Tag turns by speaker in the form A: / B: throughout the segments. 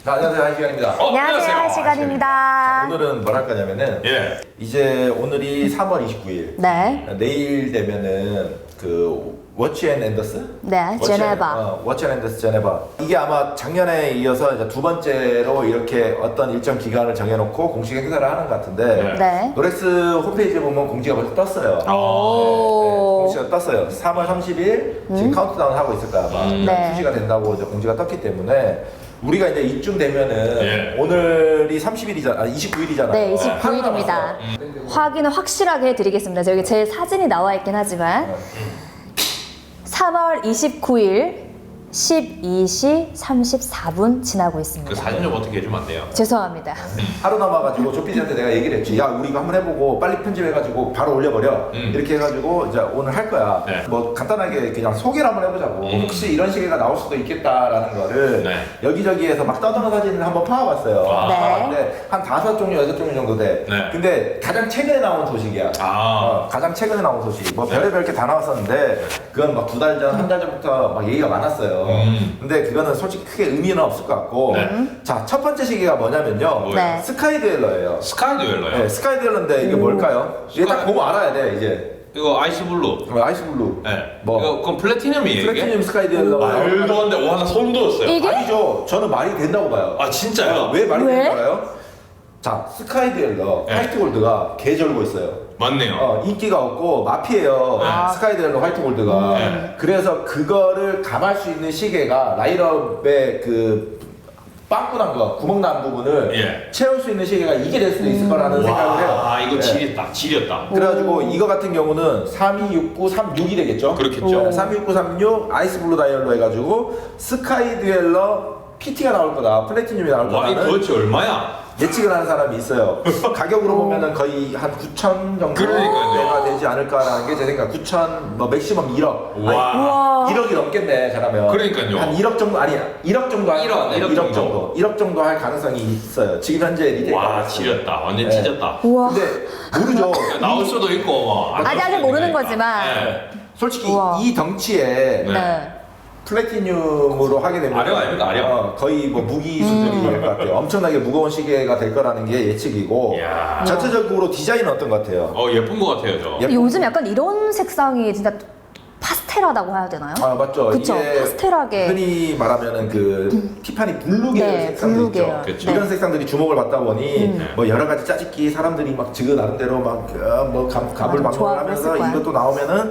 A: 자, 안녕하세요, 한 시간입니다.
B: 안녕하세요, 한 시간입니다.
A: 오늘은 뭘 할 거냐면은 이제 오늘이 3월 29일.
B: 네.
A: 내일 되면은 그 워치 앤 앤더스?
B: 네, 제네바.
A: 워치 앤 앤더스 제네바. 이게 아마 작년에 이어서 이제 두 번째로 이렇게 어떤 일정 기간을 정해놓고 공식 행사를 하는 것 같은데
B: 네.
A: 노렉스 홈페이지에 보면 공지가 벌써 떴어요.
B: 오.
A: 공지가 떴어요. 3월 30일 지금 카운트다운 하고 있을 거야 아마.
B: 네.
A: 출시가 된다고 이제 공지가 떴기 때문에 우리가 이제 이쯤 되면은 오늘이 30일이잖아, 29일이잖아요.
B: 네, 29일입니다. 확인을 확실하게 해드리겠습니다. 저기 제 사진이 나와 있긴 하지만 3월 29일 12시 34분 지나고 있습니다.
C: 그 사진 좀 어떻게 해주면 안 돼요?
B: 죄송합니다.
A: 하루 남아가지고 조피디한테 내가 얘기를 했지. 야, 우리 이거 한번 해보고 빨리 편집해가지고 바로 올려버려. 이렇게 해가지고 이제 오늘 할 거야.
C: 네.
A: 뭐 간단하게 그냥 소개를 한번 해보자고. 혹시 이런 시계가 나올 수도 있겠다라는 거를
C: 네.
A: 여기저기에서 막 떠도는 사진을 한번 파와봤어요.
C: 아.
A: 파와봤는데 한 5종류, 6종류 정도 돼.
C: 네.
A: 근데 가장 최근에 나온 소식이야. 가장 최근에 나온 소식. 뭐 별의별 게 다 나왔었는데 그건 막 2달 전, 1달 전부터 막 얘기가 많았어요. 근데 그거는 솔직히 크게 의미는 없을 것 같고. 자, 첫 번째 시계가 뭐냐면요.
B: 네.
A: 스카이 듀엘러예요.
C: 스카이 듀엘러요?
A: 네, 스카이 듀엘러인데 이게 뭘까요? 이게 딱 보면 알아야 돼, 이제.
C: 이거 아이스 블루.
A: 아이스 블루.
C: 네.
A: 뭐?
C: 이거 그건 플래티넘이에요 이게?
A: 플래티늄 스카이 듀엘러.
C: 말도 안 돼. 와, 나 소름 돋았어요.
B: 이게?
A: 아니죠. 저는 말이 된다고 봐요.
C: 아, 진짜요?
A: 왜 말이
B: 왜?
A: 된다고 봐요? 자, 스카이 듀엘러,
C: 네.
A: 화이트 골드가 개절고 있어요.
C: 맞네요.
A: 인기가 없고 마피예요.
C: 네.
A: 스카이 듀엘러, 화이트 골드가.
C: 네.
A: 그래서 그거를 감할 수 있는 시계가 라인업의 그 빵꾸난 거, 구멍 난 부분을 채울 수 있는 시계가 이게 될 수도 있을 거라는 생각을 해요.
C: 와, 이거
A: 네.
C: 지렸다. 지렸다.
A: 그래가지고 이거 같은 경우는 3269, 36이 되겠죠?
C: 그렇겠죠.
A: 3269, 36 아이스 블루 다이얼로 해가지고 스카이 듀엘러 PT가 나올 거다, 플래티늄이 나올
C: 와, 이
A: 거다는
C: 도대체 얼마야?
A: 예측을 하는 사람이 있어요. 가격으로 보면은 거의 한 9천 정도가
C: 그러니까요.
A: 되지 않을까라는 게 제 생각. 9천, 뭐 맥시멈 1억.
C: 와.
A: 1억이 넘겠네, 잘하면.
C: 그러니까요.
A: 한 1억 정도, 아니야. 1억 정도 할
C: 1억 정도.
A: 1억 정도 할 가능성이 있어요. 지금 현재 리테일.
C: 와, 지렸다. 완전
A: 네.
C: 찢었다.
B: 우와.
A: 근데 모르죠.
C: 나올 수도 있고 뭐.
B: 아직 모르는 거지만.
C: 네.
A: 솔직히
B: 우와.
A: 이 덩치에
B: 네.
A: 플래티늄으로 하게 되면
C: 아령 아닙니까, 아령?
A: 거의 뭐 무기 수준이 될 것 같아요. 엄청나게 무거운 시계가 될 거라는 게 예측이고
C: 이야.
A: 전체적으로 디자인은 어떤 것 같아요?
C: 예쁜 거 같아요, 저.
A: 예쁜
B: 요즘 약간 이런 색상이 진짜 파스텔하다고 해야 되나요?
A: 아, 맞죠.
B: 그쵸,
A: 이게
B: 파스텔하게.
A: 흔히 말하면 그 티파니 블루 계열
B: 네,
A: 색상들
B: 블루
A: 있죠.
B: 계열.
C: 그쵸.
A: 이런 색상들이 주목을 받다 보니 뭐 여러 가지 짜집기 사람들이 막 지그 나름대로 막뭐 갑을
B: 맞아,
A: 방문을 하면서
B: 좋아했을 거야.
A: 이것도 나오면은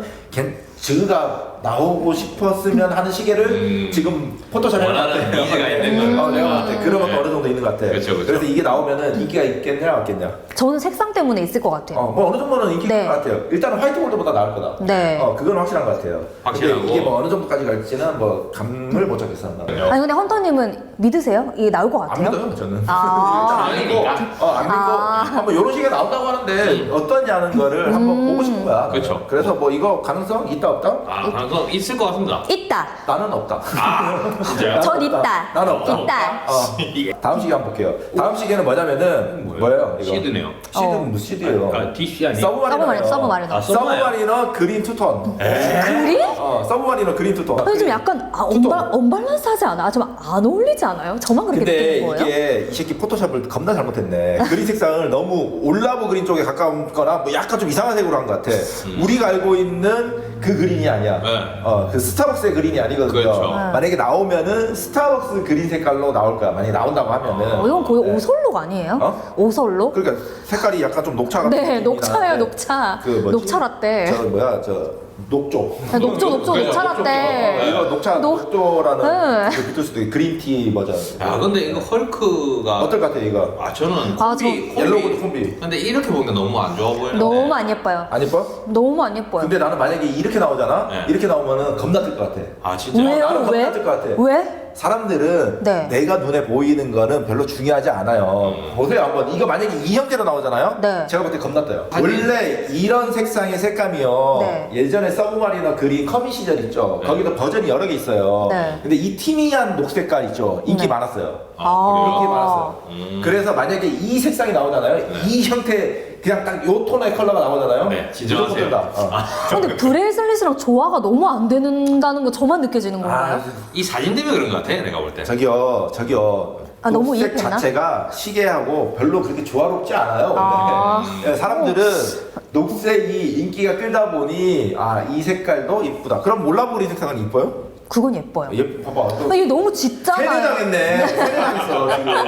A: 지그가 나오고 싶었으면 하는 시계를 지금 포토샵에
C: 원하는 니즈가 있는 거.
A: 내가 봤을 때 그런 것도
C: 네.
A: 어느 정도 있는 것 같아.
C: 그쵸, 그쵸.
A: 그래서 이게 나오면은 인기가 있겠냐 없겠냐.
B: 저는 색상 때문에 있을 것 같아요.
A: 뭐 어느 정도는 인기가
B: 네.
A: 있는 것 같아요. 일단은 화이트 골드보다 나을 거다.
B: 네.
A: 그건 확실한 것 같아요.
C: 확실하고.
A: 근데 이게 뭐 어느 정도까지 갈지는 뭐 감을 못 잡겠어.
B: 아니 근데 헌터님은 믿으세요? 이게 나올 것
A: 안
B: 같아요?
A: 믿어요, 저는.
B: 아.
A: 일단 안 믿고, 안 믿고, 한번 이런 식의 나온다고 하는데 어떠냐는 거를 한번 보고 싶은 거야.
C: 그쵸.
A: 그래서 뭐 이거 가능성 있다 없다?
C: 가능성 있을 것 같습니다.
B: 있다.
A: 나는 없다.
C: 진짜요?
B: 전 있다.
A: 나는 없다.
B: 있다.
A: 다음 시계 한번 볼게요. 다음 시계는 뭐냐면은 뭐예요? 이거?
C: 시드네요.
A: 시드는 무슨 시드예요?
C: DC 아니에요?
A: 서브마리너.
B: 서브마리너.
A: 서브마리너 그린 투톤.
B: 그리?
A: 서브마리너 그린 투톤.
B: 근데 좀 약간 언밸런스하지 않아? 좀 안 어울리지 않아요? 저만 그렇게
A: 근데
B: 느끼는 거예요?
A: 이게 이 새끼 포토샵을 겁나 잘못했네. 그린 색상을 너무 올라브 그린 쪽에 가까운 거나 뭐 약간 좀 이상한 색으로 한 것 같아. 우리가 알고 있는 그 그린이 아니야.
C: 네.
A: 그 스타벅스의 그린이 아니거든요.
C: 그렇죠.
A: 만약에 나오면은 스타벅스 그린 색깔로 나올 거야. 만약에 나온다고 하면은.
B: 이건 거의
A: 네.
B: 오설록 아니에요? 오설록?
A: 그러니까 색깔이 약간 좀 녹차 같은
B: 네,
A: 느낌이
B: 녹차예요,
A: 나는데
B: 녹차.
A: 그 뭐지?
B: 녹차 라떼.
A: 저 뭐야, 녹조.
B: 네, 녹조,
C: 그죠,
B: 녹차 라떼.
A: 이거 녹차,
B: 녹-
A: 녹조라는
B: 네.
A: 그 비틀스도 그린티 버전.
C: 야, 근데 이거 헐크가
A: 어떨 것 같아, 이거?
C: 저는
B: 아,
A: 옐로우드 콤비.
C: 근데 이렇게 보니까 너무 안 좋아 보여요.
B: 너무 안 예뻐요.
A: 안 예뻐?
B: 너무 안 예뻐요.
A: 근데 나는 만약에 이렇게 나오잖아?
C: 네.
A: 이렇게 나오면은 겁나 뜰 것 같아.
C: 진짜?
B: 왜요?
A: 나는
B: 왜?
A: 겁나 뜰것 같아.
B: 왜?
A: 사람들은
B: 네.
A: 내가 눈에 보이는 거는 별로 중요하지 않아요. 보세요 한번. 이거 만약에 이 형태로 나오잖아요?
B: 네.
A: 제가 볼 때 겁나 떠요.
C: 아니,
A: 원래 이런 색상의 색감이요.
B: 네.
A: 예전에 서브마리너 그린 커미 시절 있죠?
C: 네.
A: 거기도 버전이 여러 개 있어요.
B: 네.
A: 근데 이 티미한 녹색깔 있죠? 인기
B: 네.
A: 많았어요.
B: 아.
A: 인기 많았어요. 그래서 만약에 이 색상이 나오잖아요? 이 형태 그냥 딱 요 톤의 컬러가 나오잖아요?
C: 네, 진정하세요.
A: 무조건 뜬다.
B: 근데 브레이슬릿이랑 조화가 너무 안 된다는 거 저만 느껴지는 건가요?
C: 이 사진 때문에 그런 것 같아, 내가 볼 때.
A: 저기요.
B: 아, 너무
A: 녹색
B: 이입했나?
A: 자체가 시계하고 별로 그렇게 조화롭지 않아요.
B: 아.
A: 근데 사람들은 녹색이 인기가 끌다 보니 이 색깔도 이쁘다. 그럼 몰라보리 색상은 이뻐요?
B: 그건 예뻐요.
A: 봐봐.
B: 아, 이거 너무 짙잖아요.
A: 세뇌당했네. 세뇌당했어 지금.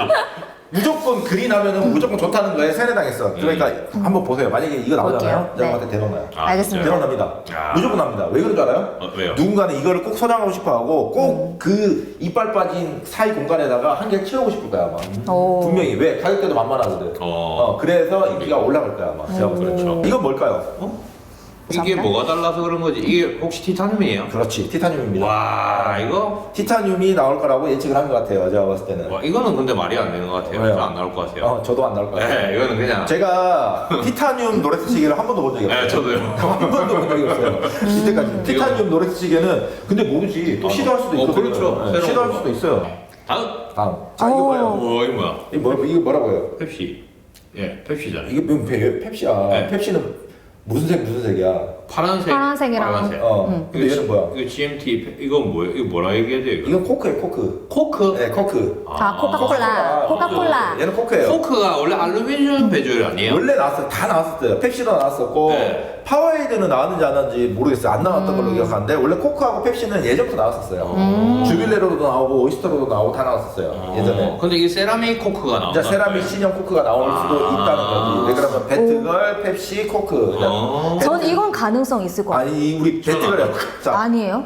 A: 무조건 그린 하면은 무조건 좋다는 거에 세뇌당했어. 그러니까 한번 보세요. 만약에 이거 나오잖아요.
B: 볼게요.
A: 제가
B: 네.
A: 봤을 때 대박 나요.
B: 알겠습니다.
A: 대박 납니다. 무조건 납니다. 왜 그런 줄 알아요?
C: 왜요?
A: 누군가는 이거를 꼭 소장하고 싶어 하고 꼭 그 이빨 빠진 사이 공간에다가 한 개 채우고 싶을 거야 아마.
B: 오.
A: 분명히. 왜? 가격대도 만만하거든. 그래서 인기가 올라갈 거야 아마. 제가 봤을 때.
C: 그렇죠.
A: 이건 뭘까요?
C: 이게
B: 감사합니다.
C: 뭐가 달라서 그런 거지? 이게 혹시 티타늄이에요?
A: 그렇지. 티타늄입니다.
C: 와 이거?
A: 티타늄이 나올 거라고 예측을 한 것 같아요. 제가 봤을 때는.
C: 와 이거는 근데 말이 안 되는 것 같아요.
A: 왜요?
C: 저안 나올 것 같아요.
A: 저도 안 나올 것 같아요.
C: 네, 이거는 그냥.
A: 제가 티타늄 노렉스 시계를 한 번도 본 적이 없어요.
C: 네, 저도요.
A: 한 번도 본 적이 없어요. 이때까지. 티타늄 노렉스 시계는 근데 모르지. 또 시도할 수도 있거든요.
C: 그렇죠.
A: 네,
C: 새로운
A: 시도할
C: 거.
A: 수도 있어요.
C: 다음.
A: 자, 이게 뭐예요?
C: 이거 뭐야?
A: 이게 뭐라고요?
C: 펩시. 예, 펩시잖아요.
A: 이게 뭐 펩시야.
C: 네.
A: 펩시는 무슨 색이야?
C: 파란색.
B: 파란색이랑.
C: 빨간색.
A: 근데 얘는 뭐야?
C: 이거 GMT. 이건 뭐예요? 이거 뭐라 얘기해야 돼요? 이거?
A: 이건 코크예요, 코크.
C: 코크?
A: 네, 코크.
B: 아, 코카콜라. 코카콜라.
A: 얘는 코크예요.
C: 코크가 원래 알루미늄 배줄 아니에요?
A: 원래 나왔어요. 다 나왔었어요. 펩시도 나왔었고
C: 네.
A: 파워에이드는 나왔는지 안 나왔는지 모르겠어요. 안 나왔던 걸로 기억하는데 원래 코크하고 펩시는 예전부터 나왔었어요. 주빌레로도 나오고 오이스터로도 나오고 다 나왔었어요. 예전에.
C: 근데 이게 세라믹 코크가 나온다.
A: 진짜 세라믹 신형 코크가 나올 수도 있다는 거지. 네, 그러면 배트걸, 펩시, 코크.
B: 전 이건 가능성 있을 것 같아요.
A: 아니 우리 배트걸이야. 자,
B: 아니에요?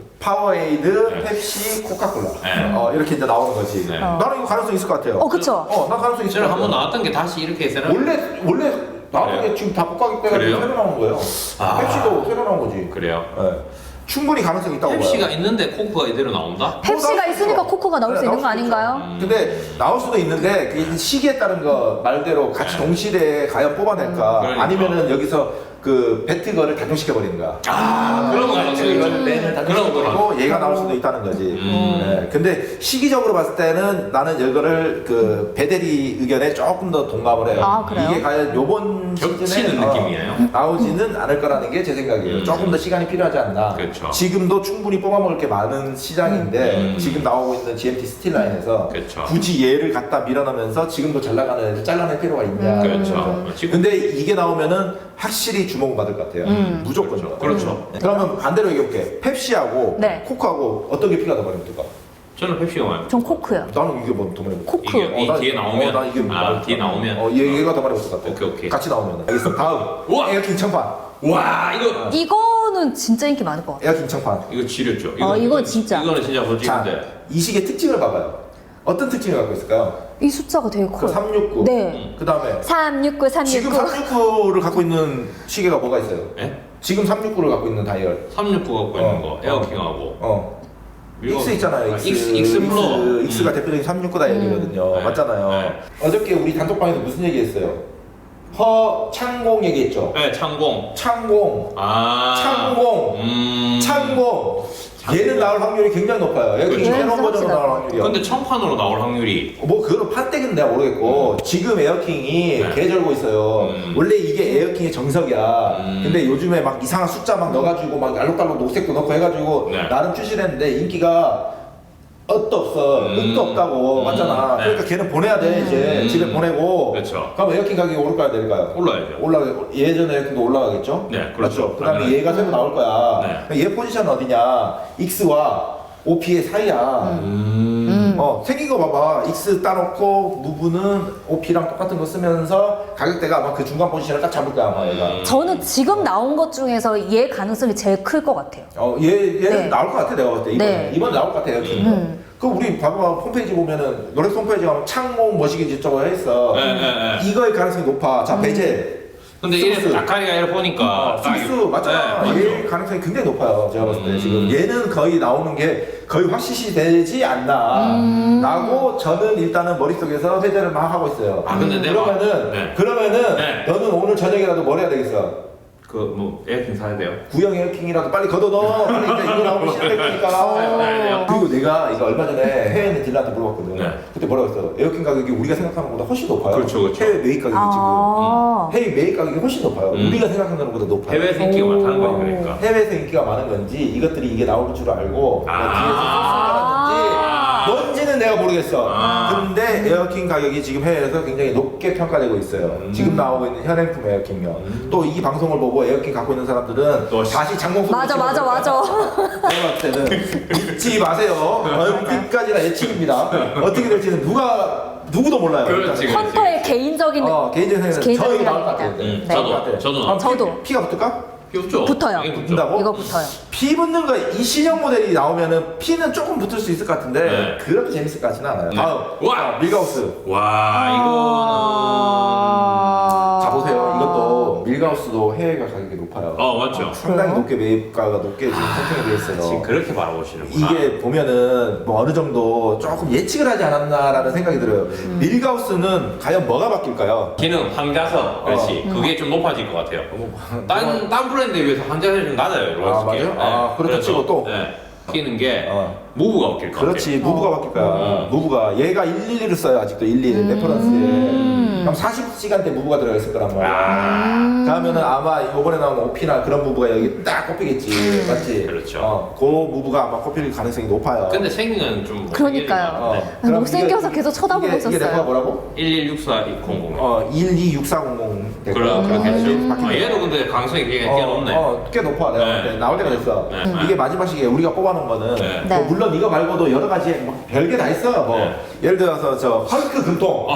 A: 파워에이드,
C: 네.
A: 펩시, 코카콜라.
C: 네.
A: 이렇게 이제 나오는 거지.
C: 네.
A: 나는 이거 가능성 있을 것 같아요.
B: 그쵸?
A: 나 가능성 있을 것
C: 저는
A: 같아요.
C: 한번 나왔던 게 다시 이렇게 세라믹.
A: 원래 나오는
C: 그래요?
A: 게 지금 다 복각이 빼가지고
C: 그래요?
A: 새로 나온 거예요.
C: 아.
A: 펩시도 새로 나온 거지.
C: 그래요?
A: 네. 충분히 가능성이 있다고
C: 펩시가
A: 봐요.
C: 있는데 코크가 이대로 나온다?
B: 펩시가
A: 나올
B: 있으니까
A: 수도
B: 코코가 나올 수
A: 네,
B: 있는 거
A: 나올 수도
B: 아닌가요?
A: 근데 나올 수도 있는데 그 시기에 따른 거 말대로 같이 동시대에 과연 뽑아낼까
C: 그러니까.
A: 아니면은 여기서 그 배트거를 단종시켜 버리는 거야.
C: 그런 거 가능성이 있죠.
A: 렌을 단종시키고 얘가 나올 수도 있다는 거지. 네. 근데 시기적으로 봤을 때는 나는 이거를 그 배대리 의견에 조금 더 동감을 해요.
B: 아, 그래요?
A: 이게 과연 요번
C: 겹치는
A: 시즌에
C: 느낌이에요?
A: 나오지는 않을 거라는 게 제 생각이에요. 조금 더 시간이 필요하지 않나.
C: 그렇죠.
A: 지금도 충분히 뽑아먹을 게 많은 시장인데 지금 나오고 있는 GMT 스틸라인에서
C: 그렇죠.
A: 굳이 얘를 갖다 밀어넣으면서 지금도 잘 나가는 애를 잘라낼 필요가 있냐.
C: 그렇죠. 지금
A: 근데 이게 나오면은 확실히 주목을 받을 것 같아요. 무조건.
C: 그렇죠.
A: 그러면 반대로 얘기해볼게. 펩시하고
B: 네.
A: 코크하고 어떤 게 피가 더 많이 붙을까?
C: 저는 펩시가 많이.
B: 전 코크요.
A: 나는 이게 뭐 더 많이 붙을까?
B: 코크.
C: 이게 이 뒤에 나오면
A: 나 이게 많이
C: 뒤에 나오면
A: 얘가 더 많이 붙을 것 같아.
C: 오케이.
A: 같이 나오면. 알겠어. 다음.
C: 우와!
A: 에어킹 청판.
C: 와 이거
B: 이거는 진짜 인기 많을 것 같아요.
A: 에어킹 청판.
C: 이거 지렸죠.
B: 이건 진짜.
C: 이거는 진짜
A: 자,
C: 멋지는데.
A: 이 시계 특징을 봐봐요. 어떤 특징을 갖고 있을까요?
B: 이 숫자가 되게
A: 그
B: 커요.
A: 369.
B: 네.
A: 그 다음에
B: 369,
A: 지금
B: 369.
A: 369를 갖고 있는 시계가 뭐가 있어요?
C: 예?
A: 지금 369를 갖고 있는 다이얼.
C: 369 갖고 있는 거 에어킹하고.
A: 이거 X 있잖아요.
C: X 플로.
A: X가 대표적인 369 다이얼이거든요.
C: 네.
A: 맞잖아요.
C: 네.
A: 어저께 우리 단톡방에서 무슨 얘기했어요? 창공 얘기했죠.
C: 네, 창공.
A: 창공. 창공. 창공. 얘는 나올 확률이 굉장히 높아요. 여기
C: 그렇죠.
A: 새로운 버전으로 나올 확률이요.
C: 근데 청판으로 나올 확률이
A: 뭐 그거는 판때기는 내가 모르겠고 지금 에어킹이
C: 네.
A: 개절고 있어요. 원래 이게 에어킹의 정석이야. 근데 요즘에 막 이상한 숫자 막 넣어가지고 막 알록달록 녹색도 넣고 해가지고
C: 네.
A: 나름 출시를 했는데 인기가 엇도 없어. 끝도 없다고 맞잖아.
C: 네.
A: 그러니까 걔는 보내야 돼 이제 집에 보내고.
C: 그렇죠.
A: 그럼 에어킹 가격이 오를까요 내릴까요?
C: 올라야죠.
A: 예전 에어킹도 올라가겠죠?
C: 네, 그렇죠.
A: 맞죠? 그다음에
C: 당연하죠.
A: 얘가 새로 나올 거야.
C: 네.
A: 그럼 얘 포지션 어디냐? X와 OP의 사이야. 생긴 거 봐봐. X 따놓고 무브는 OP랑 똑같은 거 쓰면서 가격대가 아마 그 중간 포지션을 딱 잡을 거야 아마 얘가.
B: 저는 지금 나온 것 중에서 얘 가능성이 제일 클 것 같아요.
A: 얘는
B: 네.
A: 나올 것 같아 내가 봤을 때 이번
B: 네.
A: 이번 나올 것 같아요. 그 우리 봐봐 홈페이지 보면은 노렉스 홈페이지 가면 창공 머시기 저거 했어.
C: 네.
A: 이거의 가능성이 높아. 자 베젤.
C: 근데 이래
A: 스무스.
C: 아카리가 이래 보니까
A: 스미스 맞잖아.
C: 네,
A: 얘
C: 맞죠.
A: 가능성이 굉장히 높아요. 제가 봤을 때 지금 얘는 거의 나오는 게 거의 확실시 되지 않나. 라고 저는 일단은 머릿속에서 회전을 막 하고 있어요.
C: 근데 내가
A: 그러면은
C: 네.
A: 너는 오늘 저녁이라도 뭘 해야 되겠어?
C: 그 뭐 에어컨 사야 돼요?
A: 구형 에어킹이라도 빨리 걷어넣어. 빨리 이제 이거 나오면 시작될 거니까. 그리고 내가 이거 얼마 전에 해외에 있는 딜러한테 물어봤거든.
C: 네.
A: 그때 뭐라고 했어? 에어킹 가격이 우리가 생각하는 것보다 훨씬 높아요.
C: 그렇죠.
A: 해외 매입 가격이
B: 아.
A: 지금. 해외 매입 가격이 훨씬 높아요. 우리가 생각하는 것보다 높아요.
C: 해외에서 인기가 많다는 거지 그러니까.
A: 해외에서 인기가 많은 건지 이것들이 이게 나올 줄 알고 뭐
C: 아.
A: 뒤에서 뭔지는 이해는 내가 모르겠어. 근데 에어킹 가격이 지금 해외에서 굉장히 높게 평가되고 있어요. 지금 나오고 있는 현행품 에어킹요. 또 이 방송을 보고 에어킹 갖고 있는 사람들은
C: 또
A: 다시 장봉수
B: 맞아.
A: 내가 볼 때는 믿지 마세요. 어디까지나 예측입니다. 어떻게 될지는 누구도 몰라요.
C: 그렇지.
B: 헌터의 개인적인
A: 개인적인 생각은
B: 개인적인
A: 저 여기 나올 것
B: 생각입니다.
A: 같아요.
B: 네.
C: 저도
B: 저도.
A: 피가 붙을까?
C: 귀엽죠?
B: 붙어요.
C: 이거
A: 붙는다고?
B: 이거 붙어요.
A: 피 붙는 거 이 신형 모델이 나오면은 피는 조금 붙을 수 있을 것 같은데
C: 네.
A: 그렇게 재밌을 것 같지는 않아요.
C: 네.
A: 다음
C: 와!
A: 밀가우스.
C: 와
A: 자 보세요. 이것도 밀가우스도 해외가 가격이 높아요.
C: 맞죠.
A: 상당히 높게 매입가가 높게 지금 선택이 돼 있어요.
C: 지금 그렇게 바라보시는구나.
A: 이게 보면은 뭐 어느 정도 조금 예측을 하지 않았나라는 생각이 들어요. 밀가우스는 과연 뭐가 바뀔까요?
C: 기능 황자석 그렇지. 그게 좀 높아질 것 같아요. 딴 브랜드에 비해서 황자석이 좀 낮아요. 솔직히.
A: 맞아요? 그렇다 치고 또?
C: 네. 바뀌는 게
A: 어.
C: 무브가 바뀔 것 같아요.
A: 그렇지 무브가 바뀔 거야. 무브가 얘가 111을 써요 아직도 111 레퍼런스에. 그럼 40시간대 무브가 들어가 있을 거란 말이야. 다음에는 아마 이번에 나온 오피나 그런 무브가 여기 딱 꼽히겠지. 맞지?
C: 그렇죠.
A: 그 무브가 아마 꼽힐 가능성이 높아요.
C: 근데 생긴 좀
B: 그러니까요.
A: 그럼
B: 못생겨서
A: 이게-
B: 계속 쳐다보고
A: 이게
B: 있었어요.
A: 레퍼가 뭐라고?
C: 1164-200.
A: 126400 될 거야.
C: 그렇겠죠. 얘도 근데 가능성이 꽤 높네.
A: 꽤 높아. 내가
C: 네.
A: 볼 때. 나올 때가 됐어.
C: 네.
A: 이게 마지막 시기에 우리가 뽑아놓은 거는
C: 네.
A: 뭐
B: 네.
A: 물론 이거 말고도 여러 가지 막 별게 다 있어. 뭐
C: 네.
A: 예를 들어서 저 헐크 금통,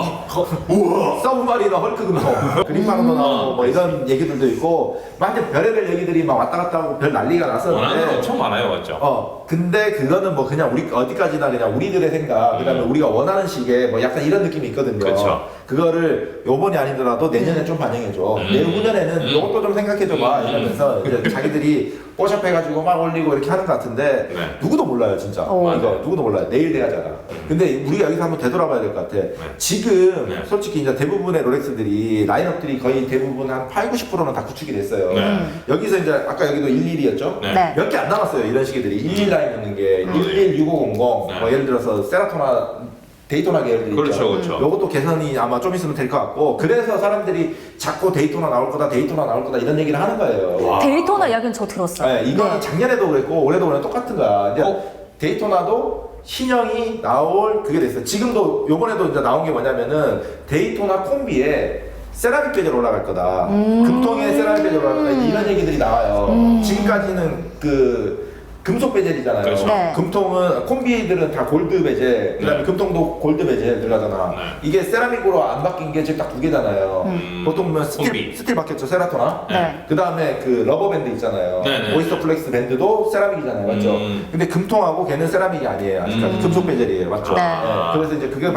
C: 우와.
A: 서브마리너 헐크 금통, 그린방도 나오고 뭐 이런 얘기들도 있고, 막 이제 별의별 얘기들이 막 왔다 갔다 하고 별 난리가
C: 원하는 거
A: 났었는데.
C: 엄청 많아요, 맞죠?
A: 근데 그거는 뭐 그냥 우리 어디까지나 그냥 우리들의 생각, 그다음에 우리가 원하는 식의 뭐 약간 이런 느낌이 있거든요.
C: 그쵸.
A: 그거를 요번이 아니더라도 내년에 좀 반영해줘. 내후년에는 이것도 좀 생각해줘봐. 이러면서 이제 자기들이 뽀샵 해가지고 막 올리고 이렇게 하는 것 같은데
C: 네.
A: 누구도 몰라요, 진짜.
B: 오.
A: 이거 누구도 몰라요. 내일 돼야잖아. 근데 우리가 여기서 한번 되돌아봐야 될 것 같아. 지금
C: 네.
A: 솔직히 이제 대부분의 롤렉스들이 라인업들이 거의 대부분 한 8, 90%는 다 구축이 됐어요.
C: 네.
A: 여기서 이제 아까 여기도 11이었죠?
C: 네.
B: 네.
A: 몇 개 안 남았어요 이런 시기들이 11 라인 있는 게 11, 6500, 뭐 예를 들어서 세라토나 데이토나 계열들
C: 그렇죠,
A: 있죠.
C: 그렇죠.
A: 요것도 개선이 아마 좀 있으면 될 것 같고 그래서 사람들이 자꾸 데이토나 나올 거다 데이토나 나올 거다 이런 얘기를 하는 거예요.
B: 데이토나 이야기는 저 들었어요.
A: 네, 이거는 작년에도 그랬고 올해도 그냥 똑같은 거야. 이제 데이토나도 신형이 나올 그게 됐어요. 지금도 요번에도 이제 나온 게 뭐냐면은 데이토나 콤비에 세라믹 베젤 올라갈 거다. 금통에 세라믹 베젤 올라갈 거다. 이런 얘기들이 나와요. 지금까지는 그 금속 베젤이잖아요.
C: 그렇죠.
B: 네.
A: 금통은 콤비들은 다 골드 베젤, 그다음에
C: 네.
A: 금통도 골드 베젤 들어가잖아.
C: 네.
A: 이게 세라믹으로 안 바뀐 게 지금 딱 두 개잖아요. 보통 보면
C: 콤비.
A: 스틸 바뀌었죠, 세라토나.
B: 네.
A: 그다음에 그 러버 밴드 있잖아요.
C: 네, 네.
A: 오이스터 플렉스 밴드도 세라믹이잖아요, 맞죠?
C: 음.
A: 근데 금통하고 걔는 세라믹이 아니에요, 아직까지 금속 베젤이에요, 맞죠?
B: 네.
A: 그래서 이제 그게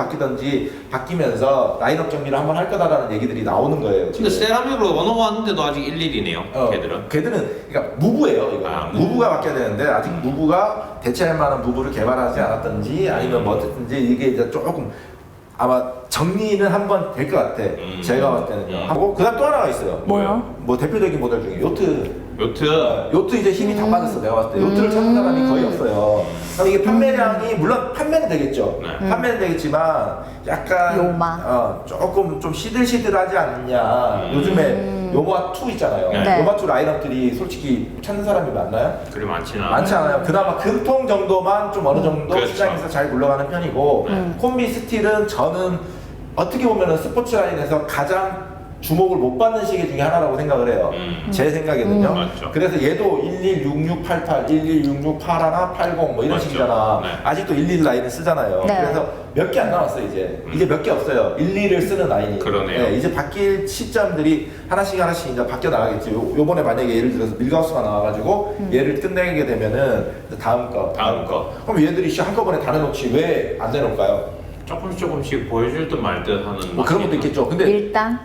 A: 바뀌면서 라인업 정리를 한번 할 거다라는 얘기들이 나오는 거예요. 지금.
C: 근데 세라믹으로 넘어왔는데도 아직 11이네요. 걔들은.
A: 걔들은 그러니까 무브예요, 이거. 무브가 바뀌어야 되는데 아직 무브가 대체할 만한 무브를 개발하지 않았던지 아니면 뭐 어쨌든지 이게 이제 조금 아마 정리는 한번 될 것 같아. 제가 봤을 때는요. 하고 그다음 또 하나가 있어요.
B: 뭐요?
A: 뭐 대표적인 모델 중에 요트.
C: 요트.
A: 이제 힘이 다 빠졌어. 내가 봤을 때 요트를 찾는 사람이 거의 없어요. 그럼 이게 판매량이 물론 판매는 되겠죠.
C: 네.
A: 판매는 되겠지만 약간
B: 요마.
A: 조금 좀 시들시들하지 않냐. 요즘에 요마 2 있잖아요.
C: 네.
A: 요마 2 라인업들이 솔직히 찾는 사람이 많나요?
C: 그리 많지는
A: 많지 않아요. 그나마 금통 정도만 좀 어느 정도
C: 그렇죠.
A: 시장에서 잘 굴러가는 편이고 콤비 스틸은 저는 어떻게 보면은 스포츠 라인에서 가장 주목을 못 받는 시계 중에 하나라고 생각을 해요. 제 생각에는요.
C: 맞죠.
A: 그래서 얘도 116688, 116681, 80 뭐 이런
C: 맞죠.
A: 식이잖아.
C: 네.
A: 아직도 11 라인을 쓰잖아요.
B: 네.
A: 그래서 몇 개 안 남았어 이제. 이제 몇 개 없어요. 11을 쓰는 라인이.
C: 그러네요.
A: 네, 이제 바뀔 시점들이 하나씩 이제 바뀌어 나가겠지. 요번에 만약에 예를 들어서 밀가우스가 나와가지고 얘를 끝내게 되면은 이제 다음 거. 그럼 얘들이 한꺼번에 다 내놓지 왜 안 내놓을까요?
C: 조금씩 보여줄 듯 말 듯 하는.
A: 뭐 그런 것도 있겠죠. 근데
B: 일단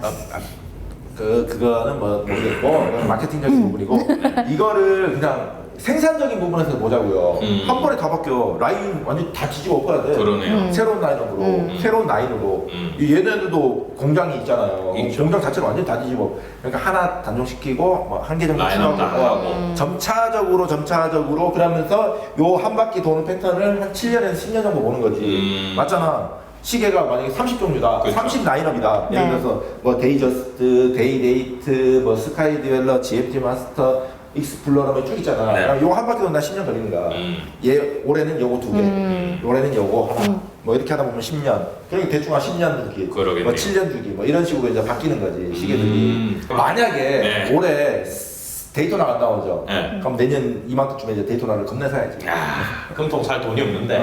A: 그거는 뭐 모르겠고 마케팅적인 부분이고 이거를 그냥 생산적인 부분에서 보자고요. 한 번에 다 바뀌어. 라인 완전 다 뒤집어 엎어야 돼.
C: 그러네요.
A: 새로운 라인업으로, 새로운 라인으로. 얘네들도 공장이 있잖아요.
C: 있죠.
A: 공장 자체를 완전 다 뒤집어. 그러니까 하나 단종시키고 뭐 한 개 정도
C: 라인업 다 하고.
A: 점차적으로 그러면서 요 한 바퀴 도는 패턴을 한 7년에서 10년 정도 보는 거지. 맞잖아. 시계가 만약에 30종류다.
C: 그렇죠.
A: 30 라인업이다. 예를
B: 네.
A: 들어서 뭐 데이저스트, 데이데이트, 뭐 스카이 디웰러, GMT 마스터, 익스플로러 뭐 쭉 있잖아.
C: 네.
A: 요거 한 바퀴 돈다 10년 걸리는 거야. 얘 올해는 요거 두 개, 올해는 요거 하나. 뭐 이렇게 하다 보면 10년. 그러니까 대충 한 10년 주기,
C: 그러겠네요.
A: 뭐 7년 주기, 뭐 이런 식으로 이제 바뀌는 거지 시계들이. 만약에
C: 네.
A: 올해 데이토나가 안 나오죠.
C: 네.
A: 그럼 내년 이맘때쯤에 이제 데이토나를 겁내 사야지.
C: 야, 금통 살 돈이 없는데.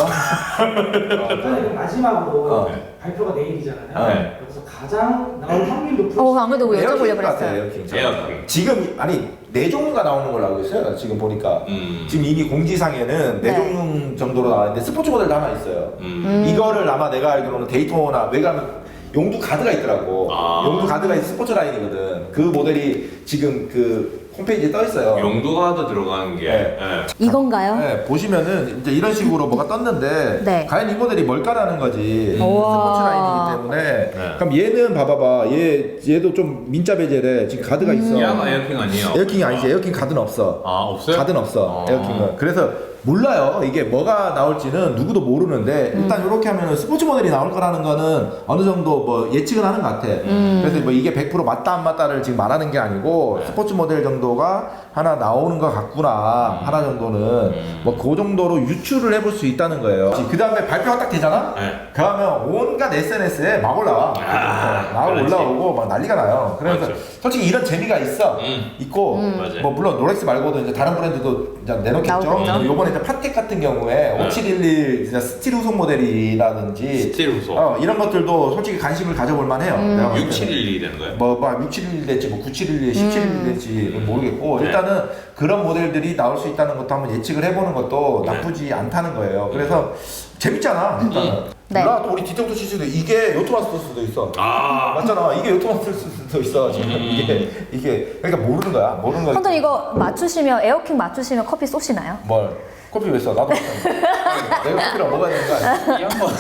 D: 일단은 마지막으로
A: 네.
D: 발표가 내일이잖아요.
C: 네.
D: 그래서 가장 나올 확률 높은
B: 안 그래도 여쭤보려고
A: 에어킹 같아,
B: 그랬어요.
A: 에어킹.
C: 에어킹.
A: 지금 아니 4종류가 나오는 걸로 알고 있어요. 지금 보니까 지금 이미 공지상에는
B: 네.
A: 4종류 정도로 나왔는데 스포츠 모델도 하나 있어요. 이거를 아마 내가 알기로는 데이토나 왜냐면 용두 가드가 있더라고.
C: 아.
A: 용두 가드가 있는 스포츠 라인이거든. 그 모델이 지금 그 홈페이지에 떠 있어요.
C: 용도가도 들어가는 게.
A: 네.
C: 네.
B: 이거인가요?
A: 네, 보시면은 이제 이런 식으로 뭐가 떴는데
B: 네.
A: 과연 이 모델이 뭘까라는 거지.
B: 우와.
A: 스포츠 라인이기 때문에.
C: 네.
A: 그럼 얘는 봐봐봐. 얘도 좀 민자 베젤에 지금 가드가 있어.
C: 얘가 에어킹 아니에요?
A: 에어킹이 아니지. 에어킹 가드는 없어.
C: 아, 없어요?
A: 가드는 없어.
C: 아.
A: 에어킹은. 그래서 몰라요. 이게 뭐가 나올지는 누구도 모르는데 일단 이렇게 하면은 스포츠 모델이 나올 거라는 거는 어느 정도 뭐 예측은 하는 것 같아. 그래서 뭐 이게 100% 맞다 안 맞다를 지금 말하는 게 아니고
C: 네.
A: 스포츠 모델 정도가 하나 나오는 것 같구나. 하나 정도는 뭐 그 정도로 유추를 해볼 수 있다는 거예요. 그 다음에 발표가 딱 되잖아?
C: 네.
A: 그러면 온갖 SNS에 막 올라와. 막
C: 그렇지.
A: 올라오고 막 난리가 나요. 그래서
C: 맞죠.
A: 솔직히 이런 재미가 있어. 있고
C: 맞아요.
A: 뭐 물론 롤렉스 말고도 이제 다른 브랜드도 이제 내놓겠죠.
B: 나오겠죠.
A: 요번에 이제 파텍 같은 경우에 5711 진짜 스틸 후속 모델이라든지
C: 스틸 후속.
A: 이런 것들도 솔직히 관심을 가져볼 만해요. 내가 봤을 때는.
C: 6712 되는 거예요?
A: 뭐 6711 될지 뭐 9711, 1711 될지 모르겠고
C: 네.
A: 일단은 그런 모델들이 나올 수 있다는 것도 한번 예측을 해보는 것도
C: 네.
A: 나쁘지 않다는 거예요. 그래서 재밌잖아. 일단은.
B: 네.
A: 몰라 또 우리 디텍터 CC도 이게 요토마스터 수도 있어.
C: 아,
A: 맞잖아. 이게 요토마스터 수도 있어. 지금 이게 그러니까 모르는 거야. 모르는 거야.
B: 선생님 이거 맞추시면 에어킹 맞추시면 커피 쏘시나요?
A: 뭘? 커피 왜 써? 나도 못하는데. 내가 커피랑 먹어야 되는 거 아니야?
C: 이 한번.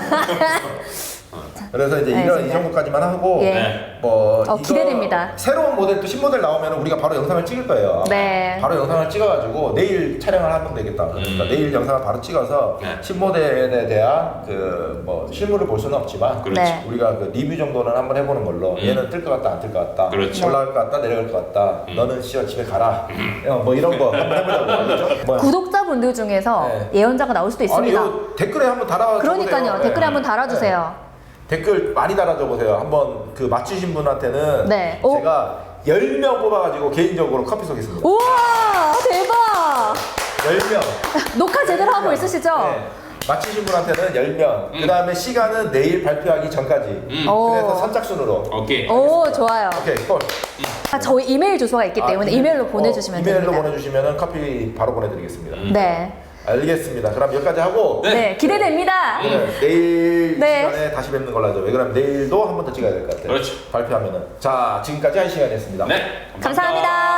A: 그래서 이제 이 정도까지만 하고
B: 예.
C: 네.
A: 뭐 이거
B: 기대됩니다.
A: 새로운 모델 또 신모델 나오면 우리가 바로 영상을 찍을 거예요.
B: 네.
A: 바로 영상을 찍어가지고 내일 촬영을 하면 되겠다. 그러니까 내일 영상을 바로 찍어서
C: 네.
A: 신모델에 대한 그 뭐 실물을 볼 수는 없지만
C: 그렇지.
B: 네.
A: 우리가 그 리뷰 정도는 한번 해보는 걸로 얘는 뜰 것 같다 안 뜰 것 같다
C: 그렇죠.
A: 올라갈 것 같다 내려갈 것 같다 너는 씨어 집에 가라 뭐 이런 거 한번 해보자고 알겠죠? 뭐.
B: 구독자분들 중에서
A: 네.
B: 예언자가 나올 수도
A: 아니
B: 있습니다.
A: 이거 댓글에 한번 달아줘
B: 그러니까요.
A: 보세요.
B: 댓글에
A: 네.
B: 한번 달아주세요.
A: 댓글 많이 달아줘 보세요. 한번 그 맞추신 분한테는
B: 네. 오.
A: 제가 10명 뽑아가지고 개인적으로 커피 쏘겠습니다.
B: 우와 대박!
A: 10명.
B: 녹화 제대로 하고 있으시죠?
A: 네. 맞추신 분한테는 10명. 그 다음에 시간은 내일 발표하기 전까지.
B: 오.
A: 그래서 선착순으로.
C: 오케이.
B: 오 좋아요.
A: 오케이, 콜.
B: 저희 이메일 주소가 있기 때문에 이메일로 보내주시면
A: 이메일로
B: 됩니다.
A: 보내주시면 커피 바로 보내드리겠습니다.
B: 네.
A: 알겠습니다. 그럼 여기까지 하고
B: 네, 기대됩니다.
A: 내일
B: 네.
A: 시간에 다시 뵙는 걸로 하죠. 왜 그러면 내일도 한 번 더 찍어야 될 것 같아요.
C: 그렇죠.
A: 발표하면은. 자, 지금까지 한 시간이었습니다.
C: 네.
B: 감사합니다.